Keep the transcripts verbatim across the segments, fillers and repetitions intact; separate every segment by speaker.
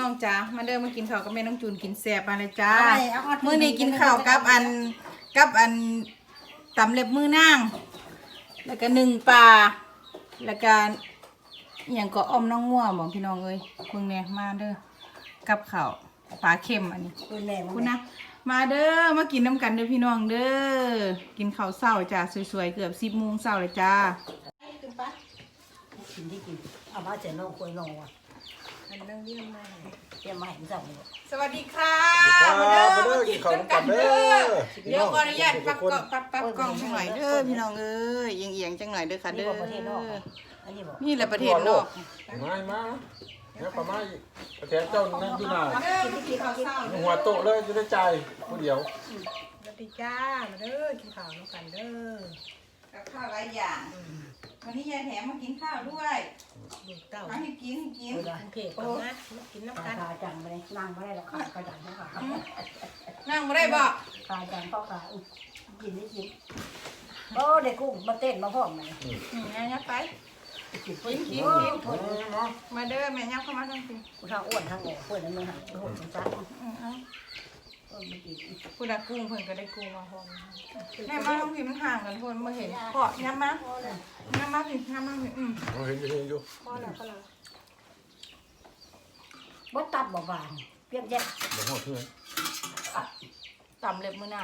Speaker 1: องจ้ามาเดินมากินข้าวกับแม่น้องจูนกินแซ่บมาเลยจ้ามื้อนี้กินข้าวกับอันกับอันตำเล็บมือนางแล้วก็หนึ่งปลาแล้วก็อย่างก็อ้อมน้องง่วบอกพี่น้องเอ้ยเบิ่งแน่มาเด้อกับข้าวปลาเค็มอันนี้คุณนะมาเด้อมากินน้ำกันเด้อพี่น้องเด้อกินข้าวเช้าจ้าสวยๆเกือบสิบโมงเช้าเลยจ้า
Speaker 2: กินที่กินเอามาเจอน้องคุยน้องว่ะอันนั่งเรียนมาเรียนมาเห็นจังเลย
Speaker 1: สวัสดีค่ะ
Speaker 3: มาเด้อมาเด้อกินข้าวกันเด้อ
Speaker 1: เดี๋ยวขออนุญาตปักกล้องปักปักกล้องจังหน่อยเด้อพี่น้องเอ้ยเอียงๆจังหน่อยเด้อค่ะเด้อนี่แหละประเทศนอก
Speaker 3: มามาเนี่ยประมาณประเทศเจ้านั่งที่ไหนหัวโตเลยจะได้ใจผู้เดียว
Speaker 4: สวัสดีจ้ามาเด้อกินข้าวน้ำกันเด้อ
Speaker 1: กับข้าวหลายอย่างวันนี้ยายแถมมากินข้าวด้วย
Speaker 4: เต้า
Speaker 1: มาให้กินกิน
Speaker 4: เผ็ดก่อนนะมากินน้ำกัน
Speaker 2: ขาจังไปเลยนั่งไม่ได้หรอกขาขาจังเขาขา
Speaker 1: นั่งไม่ได้บอก
Speaker 2: ขาจังเขาขากินได้กินโอ้เด็กกุ้งมาเต้นมาพ่อมา
Speaker 1: อืมงั้นไปกินกินกินมาเด้อแม่ยับเข้ามาทั้งที
Speaker 2: ทางอ้วนทางโง่อ้วนนั่นมึงหันโหดจัง
Speaker 1: คุณอากุ้งเพิ่นก็ได้กุ้งมาพร้อมแม่มาทั้งทีมันห่างกันคนมาเห็นเพาะย้ำมาย้ำมาผิดย้ำมาผิดอืม
Speaker 3: เห็นอยู่เห็นอยู่
Speaker 4: พ่อแล้วก็แล้ว
Speaker 2: บ่ตับบ่หวานเปรี้ยวแย่
Speaker 3: บ่หัวเพื่อน
Speaker 1: ตำเล็บมือนาง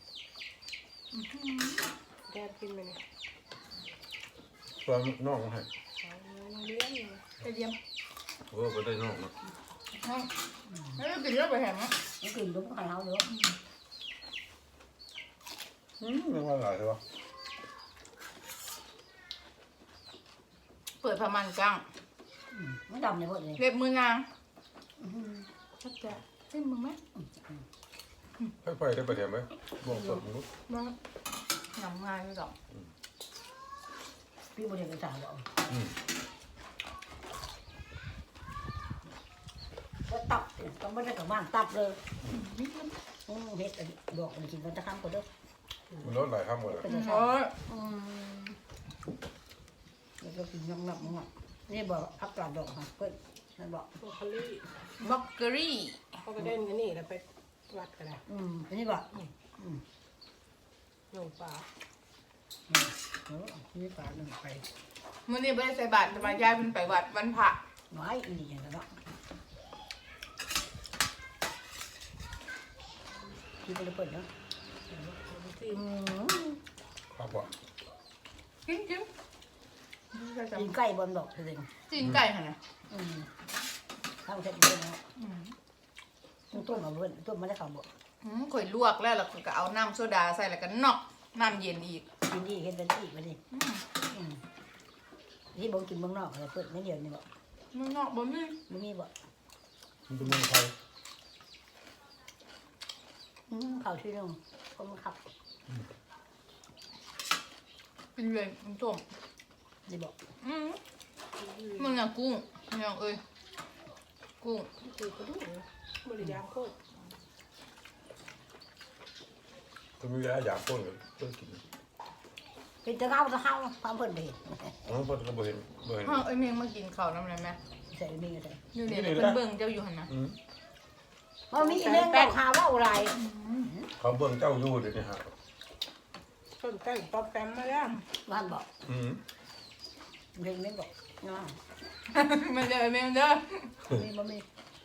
Speaker 4: แกกินไปเลย
Speaker 3: ตัวน้องให้
Speaker 4: เลี้ยง
Speaker 1: ไปเยี่ยม
Speaker 3: เออไปได้น้องนะ
Speaker 1: ไม่ได้กินเยอะไปแหม
Speaker 2: มันกินลูกไข่เฮาเด้อ
Speaker 3: อืมไม่ว่าหลายเลยวะ
Speaker 1: เปิดพมันกลาง
Speaker 2: ไม่ดำเลยหมดเลย
Speaker 1: เล็บมือนางชัดจะเส้นมึงไหม
Speaker 3: ให้ไปได้ประเดี๋ยวไหมบ่งสดมนุษย์
Speaker 1: บ้าหนำง่ายไม่หรอก
Speaker 2: พี่บริเวณจ่ายหรอกก็ตับต้องไม่ได้กับบ้านตับเลยอืมเฮ็ดดอกมันกินมันจะข้ามกันเด้อ
Speaker 3: มันลดหลายข้ามหมดเลย
Speaker 1: โอ้ย
Speaker 2: แล้วก็กินน้ำหนักมั้งอ่ะนี่บอกอัพกาดดอกค่ะเพื่อนนั่นบอก
Speaker 4: บล็อกโคลี่
Speaker 1: บล็อกเกอรี่
Speaker 4: เขาก็เด่นกันนี่แล้วไปวัดกันนะ
Speaker 2: อืมอันนี้บอกอืม
Speaker 4: ลงปลา
Speaker 2: เออนี่ปลาหนึ่งไป
Speaker 1: มื่อนี้ไม่ได้ใส่บาตรแต่มายายเป็นไปวัดวันพระ
Speaker 2: น้อยอีกอย่างนั้นเนาะกินไปเลยเปิดเนาะ
Speaker 3: ครับว่า
Speaker 1: กินกิน
Speaker 2: กินไก่บนดอกจริง
Speaker 1: กินไก่ค่ะนะ
Speaker 2: อืมข้าวเสร็จเลยเนาะต้มมาเพื่อนต้มมาได้ข่าวบอก
Speaker 1: ข่อยลวกแล้วแล้วก็เอาน้ำโซดาใส่แล้วก็นอกน้ำเย็นอีก
Speaker 2: กินดีเห็นเป็นอีกมาดิที่บอกกินเมืองนอกอะไรเปิดไม่เดียวนี่บอก
Speaker 1: เมืองนอกบ่มี
Speaker 2: บ่มีบอก
Speaker 3: มันเป็นเมืองไทย
Speaker 2: เขาที่นึงคนขับ
Speaker 1: กินเลยมันต้ม
Speaker 2: นี่บอก
Speaker 1: มึงอะกุ้งมึงเอ้ยกุ้ง
Speaker 4: คือกระดูกบริยามโคตร
Speaker 3: ก็มีแล้วอยากต้นเลยต้นกิน
Speaker 2: เป็นตะเข้าตะเข้าความเพิ่นไปเห็น
Speaker 3: อ๋อเพิ่นก็บ่เห็นบ่เห็น
Speaker 1: เฮาไอ้เมงมากินข้าวน้ำอะไรไหม
Speaker 2: ใส่มีอะไร
Speaker 1: อยู่นี่เพิ่นเบิ่งเจ้าอยู่หั่นนะ
Speaker 2: มันมีเรื่องแปลกหาว่าอะไร
Speaker 3: เขาเบิ่งเจ้าอยู่เดี๋ยวนี้ฮะ
Speaker 4: ต้นแต่งป๊อปแปมมาแล้ว
Speaker 2: บ้านบอก
Speaker 3: อืม
Speaker 2: เรื่องไม่บอกน้า
Speaker 1: มันเด้อเมงเด้อ
Speaker 2: มีบ่มี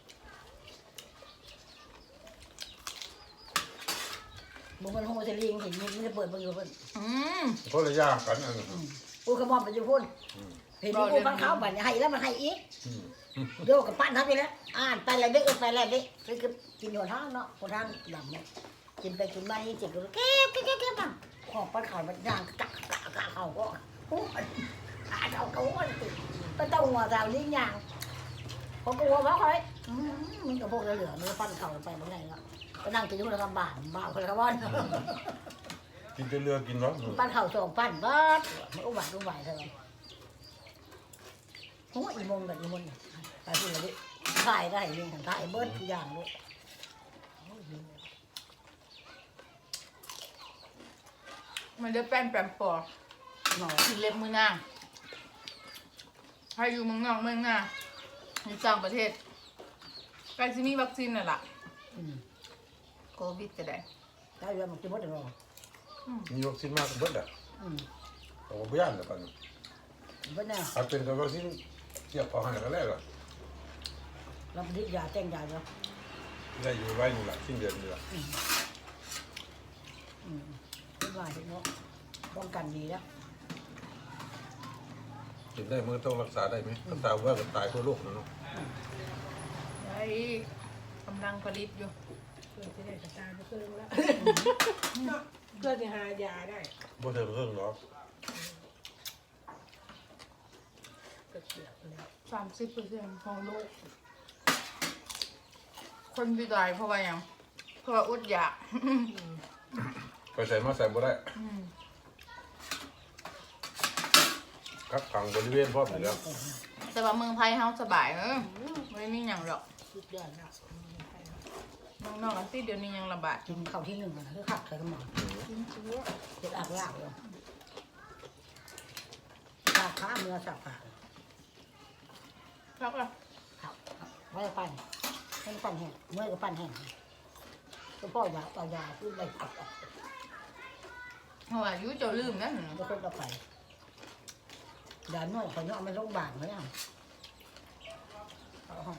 Speaker 2: บุ้งมันโฮเทลิงเห็นมันจะเปิดบางอยู่เพิ่น
Speaker 3: คนละอย่างกันอันนั้น
Speaker 2: กูขมอมไปอยู่พุ่นเห็นกูฟังเขาบัดให้แล้วมันให้อีกโยกกับปั้นทับไปแล้วอ่านไปอะไรเด็กไปอะไรเด็กคือกินหัวท้องเนาะหัวท้องดำเนี่ยกินไปกินมาเจ็บก็แก้วแก้วแก้วมันขอบปั้นข่าวมันย่างกักกักกักเขาก็หูขาเขาเขาติดไปต้องหัวสาวนี่ย่างพอกลัวว่าเขาเลยมันกับพวกเหลือมันปั้นเข่าไปบางไงเนาะก็นั่งกินอยู่ในกำบานบ้าคนละวัน
Speaker 3: กินเรือกินร้อน
Speaker 2: ปั้นเข่าสองปั้นบ้ามันอุ้มไหวอุ้มไหวเท่าไหร่โอ้ยอีมงกับอีมงไปพูดเลยดิถ่ายได้เรื่องถ่ายเบิร์ดทุกอย่างด้วย
Speaker 1: มันจะแป้นแปมปอกินเล็บมือนางให้อยู่เมืองนอกเมืองหน้าอยู่ต่างประเทศใกล้จะมีวัคซีนน่ะล่ะ
Speaker 2: อืม
Speaker 1: โควิดก็ได้
Speaker 2: ได้เรื่องมันจะหมดแล้ว
Speaker 3: มีวัคซีนมากเบิดอ่ะ
Speaker 2: อืม
Speaker 3: เขาก็บ่ย่านแล้วกัน
Speaker 2: เบิดแน่
Speaker 3: ถ้าเป็นกับวัคซีนเทียบเอาให้ก็แล้วล่ะ
Speaker 2: เราผลิตยาแจ้งยาเนาะ
Speaker 3: ได้อยู่ไว้นี่ล่ะสิ้นเดือนนี่ล่ะ
Speaker 2: อืมเป็นว่าเนาะป้องกันดีแล้ว
Speaker 3: กินได้มื้อต้องรักษาได้ไหมรักษาว่าก็ตายทั่วโลกนะเนาะ
Speaker 1: ได้กำลังผลิตอยู่
Speaker 4: เพื่อจะได้กระจายไปเพิ่มแล้วเพื่อจะหายาได้
Speaker 3: บ่เทิงเรื่องหรอก
Speaker 4: ก็เสียไปแล้ว
Speaker 1: สามสิบเปอร์เซ็นต์ของโลก คนที่ตายเพราะว่าหยังเพราะว่าอดอยาก
Speaker 3: ไปใส่มาใส่บ่ได้
Speaker 1: อืม
Speaker 3: กักขังบริเวณพร้อมอยู่แล้ว
Speaker 1: แต่ว่าเมืองไทยเฮาสบายเออไม่ได้มีหยังหรอก
Speaker 4: สุดยอดแล้ว
Speaker 1: เมืองนอกอันที่เดี๋ยวนี้ยังระบาด
Speaker 2: กินข้าวที่หนึ่งนะคือขับใส่กระหม่อมเจ็ดอักลากเลยสาขาเมื่อสาขา
Speaker 1: ครับอ่ะ
Speaker 2: ครับไม่ได้ปั่นไม่ได้ปั่นแห้งเมื่อก็ปั่นแห้งก็พ่อยาต่อยาพูดอะไรขับ
Speaker 1: เพราะว่าอายุเจ้าลืมนั่น
Speaker 2: แล้วคนต่อไปยาหน่อยเขาเนาะมันโรงพยาบาลเขาเนี่ยเอาห้อง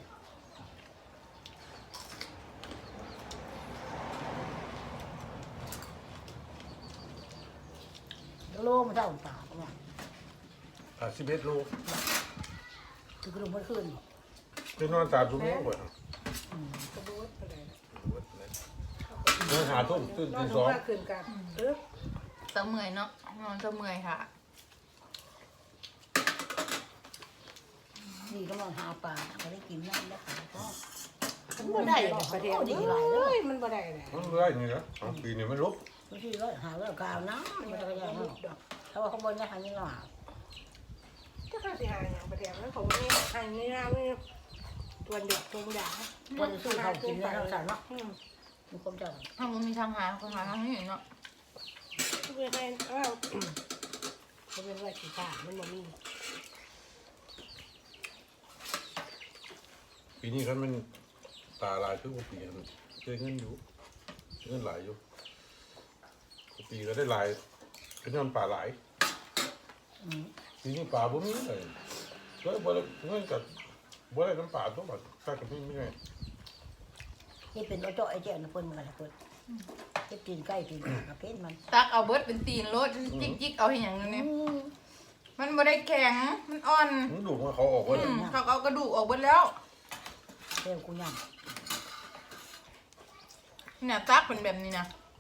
Speaker 2: โลมันเท่าป่าเนี่ย
Speaker 3: อ่ะสิบเอ็ดโล
Speaker 2: คือกระดูกมันขึ้น
Speaker 3: ไปนอนตามชั่วโมงกว่า
Speaker 4: กระโดดไปเลย
Speaker 3: นอนหาทุ่มตื่น
Speaker 4: นอ
Speaker 3: ตี
Speaker 4: น
Speaker 3: สอง
Speaker 4: ว่าคืนกันเออ
Speaker 1: เสมื่อยเนาะนอนเสมื่อยค่ะ
Speaker 2: นี่ก็นอนหาปลาเขาได้กินน้ำได้ขายก็
Speaker 4: มันบ่ได้ประเดี๋ยวเอ้ยมันบ่ได้เลย
Speaker 3: มันเรื่อยนี่นะสองปีนี่มันลุก
Speaker 2: บางทีร้อยหาร้อยกาวนะมันจะกระยานเนาะถ้าว่าเขาบนจะหาเงินหรอ
Speaker 4: ถ้าข้าสิหาอย่างประเดี๋ยวนั้นเขาไม่หาเงินไม่ตัวเด็กตัวใหญ่
Speaker 2: วันสู้เขากินแล้วเราสั่งเนาะ
Speaker 4: อืม
Speaker 2: มีคนเจ้า
Speaker 1: ถ้ามันมีทางหาคนหาทางนี้เนาะ
Speaker 4: ทุกเวลาเอ้าเขาเป็นว่าสิขามันบ่มี
Speaker 3: ปีนี้กันมันตาลายทุกปีมันเจอเงินอยู่เงินหลายอยู่ปีก็ได้หลายเป็นนอนป่าหลาย
Speaker 2: อืม
Speaker 3: ปีนี้ป่าบ่มีเลยก็บ่ได้เงินกับบ่ได้น้ำป่าตัวบัดถ้ากับพี่ไม่ไง
Speaker 2: นี่เป็นรถเจาะไอ้เจ้านะเพิ่นมันอะไรเพิ่นเก็บกินใกล้กินกระเพาะมัน
Speaker 1: ตักเอาเบิดเป็นตีนรถจิกจิกเอาให้หยังนึงเนี่ยมันบ่ได้แข็งมันอ่อน
Speaker 3: มึงดูว่าเขาออกว่า
Speaker 1: อืมเขาเอากระดูกออกเบิดแล้ว
Speaker 2: เที่ยวกูยัง
Speaker 1: เนี่ยตักเป็นแบบนี้นะ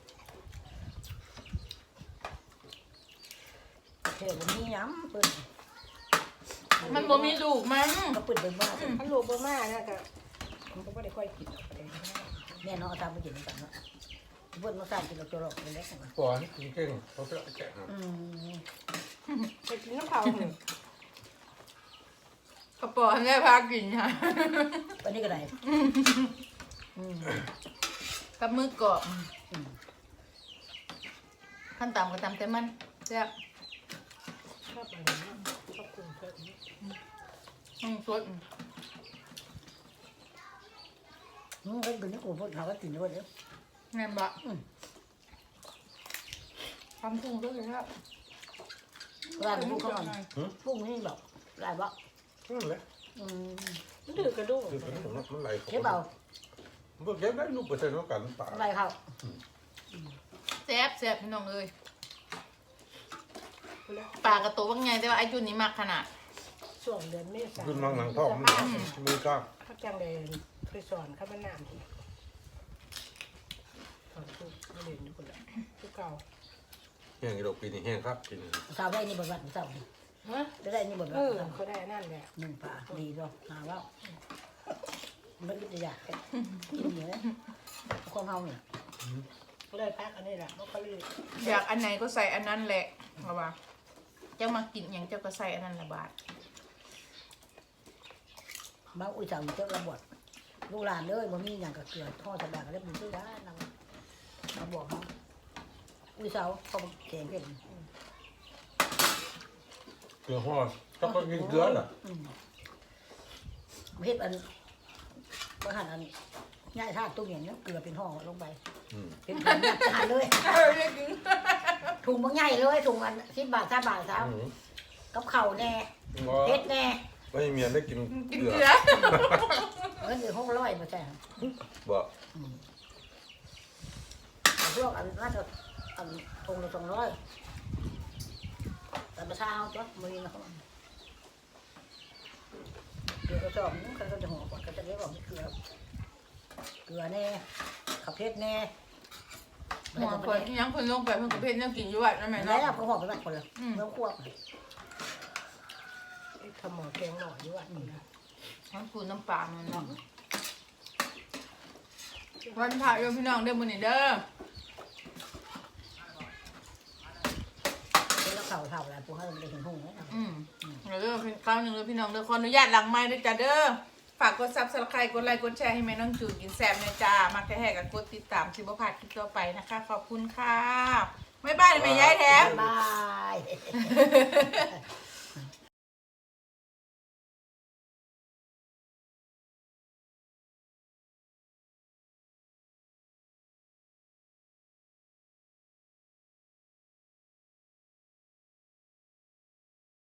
Speaker 2: เที่ยวมีน้ำเพิ่น
Speaker 1: มันบ่มีดูกมัน
Speaker 2: ก็เปิดเป็นว่า
Speaker 4: ถ้าลูกบ่มานะก็มันก็บ่ได้ค่อยกินประเดี๋ยว
Speaker 2: แม่น้องเอาตามไปกินกันเนาะเพิ่นมาสั่งกินเราจะหลอกเป็นเล็กนะ
Speaker 3: ปอนกินเก่งเขาไปแกะ
Speaker 2: อืม
Speaker 4: ไปกินน้ำเผาหนึ่ง
Speaker 1: กระป๋องได้พากินค่ะ
Speaker 2: วันนี้ก็ได้อืม
Speaker 1: กับมือกรอบ
Speaker 2: อืม
Speaker 1: ขั้นต่ำก็ตำแต่มันแซ่บ
Speaker 4: ชอบอะไรนะชอบกุ้งเพิ่ม
Speaker 1: อืมสด
Speaker 2: อืมก็เป็นนี่กูพูดเขาก็กินด้วยเด้อ
Speaker 1: แม่นบะทำกุ้งด้วยครับ
Speaker 2: ร้านพูดเขาหน่อยพูดนี่บอกร้านบอก
Speaker 3: นั่นแหละ
Speaker 2: อืม
Speaker 4: มันดื้อกระดูก
Speaker 3: คือมันมันไหล
Speaker 2: เก็บเอา
Speaker 3: มันเก็บได้ลูกเปอร์เซ็นต์เท่ากันป่า
Speaker 2: อะไรเขา
Speaker 1: แซ่บแซ่บพี่น้องเอ้ยปลากระโตว่าไงแต่ว่าไอ้จุนนี้มากขนาด
Speaker 4: ช่วงเดือนเมษา
Speaker 3: ขึ้นมังหลังท้องมันมือกล้า
Speaker 4: เขาจังเลยเคยสอนข้ามันน้ำที่สอนทุกไม่เรียนอยู่คนละทุกเก่า
Speaker 3: แห้งอีดอกปีนี้แห้งครับปีนี้
Speaker 2: สาวได้นี่บทบาทสาว
Speaker 4: ฮะ
Speaker 2: จะได้นี่บทบา
Speaker 4: เอ
Speaker 2: ท
Speaker 4: อเขาได้นั่นแหละ
Speaker 2: หนึ่งป่าดีด้วยหาว่าไม่ได้จะอยากกินเยอะความเฮาเนี่ย
Speaker 4: เขาได้พักอันนี้แหละเพราะเขาเรียน
Speaker 1: อยากอันไหนก็ใส่อันนั้นแหละเอาว่าเจ้ามากินอย่างเจ้าก็ใส่อันนั้นละบาท
Speaker 2: บางอุ้ยสาวเจ้าระบดลูกหลานเลยบ่มีอย่างกับเกลือทอดสะดาก็ได้บุญด้วยนะนำมาบอกเขาอุ้ยสาวเขาแข็งเป็น
Speaker 3: เกลือห่อต้องก็กินเกลือเหรอ
Speaker 2: เฮ็ดอันก็หั่นอันง่ายท่าตู้เย็นเนี่ยเกลือเป็นห่อลงไป
Speaker 3: อืม
Speaker 2: เป็นถุงแบบทานเลย
Speaker 1: เออเรียกกิน
Speaker 2: ถุงบางใหญ่เลยถุงอันสิบบาทสามบาทสาม
Speaker 3: อืม
Speaker 2: กับเข่าวแน่
Speaker 3: ว่า
Speaker 2: เผ็ดแน่
Speaker 3: ไม่ให้เมียได้กิน
Speaker 1: กิน
Speaker 3: เกลื
Speaker 1: เกลื
Speaker 3: อ
Speaker 1: อ
Speaker 2: เงินอยู่ห้องร้อยมาใช่
Speaker 3: บ่
Speaker 2: พวกอันน่าจะอันถุงละสองร้อยแต่ประชาเอาจ้ะมือนี้นะครับเกลือกระสอบนึงเขาจะห่อก่อนเขาจะเรียกว่าเกลือเกลือแน่ขับเพชรแน่
Speaker 1: หมอคนยังคนลงไปเพิ่นก็เพชรยังกินอยู่วัดนั่นแม่
Speaker 2: แล้
Speaker 1: เนาะ
Speaker 2: วเขาห่อไปแบบคนละเนื้อควบ
Speaker 4: ทำหมอแกงหน่อยด้วยนี่นะ
Speaker 1: ทั้งคูน้ำปลามันเนาะวันพระโยมพี่น้องเด้อมื้อนี้เด้อ
Speaker 2: แล้วเข่าเข่าอะไรพวกเขาไม่ได้เห็นหุ่งนะ
Speaker 1: อืมเด้อเป็นคราวหนึงเด้อพี่น้องเด้อขออนุญาตหลังไม้ด้วยจ้ะเด้อฝากกด Subscribe กดไลค์กดแชร์ให้แม่น้องจูนกินแซ่บนะจ้ามักจะแห่กันกดติดตามสิบ่พลาดคลิปต่อไปนะคะขอบคุณค่ะบ๊ายบายแม่ยายแถม
Speaker 2: บาย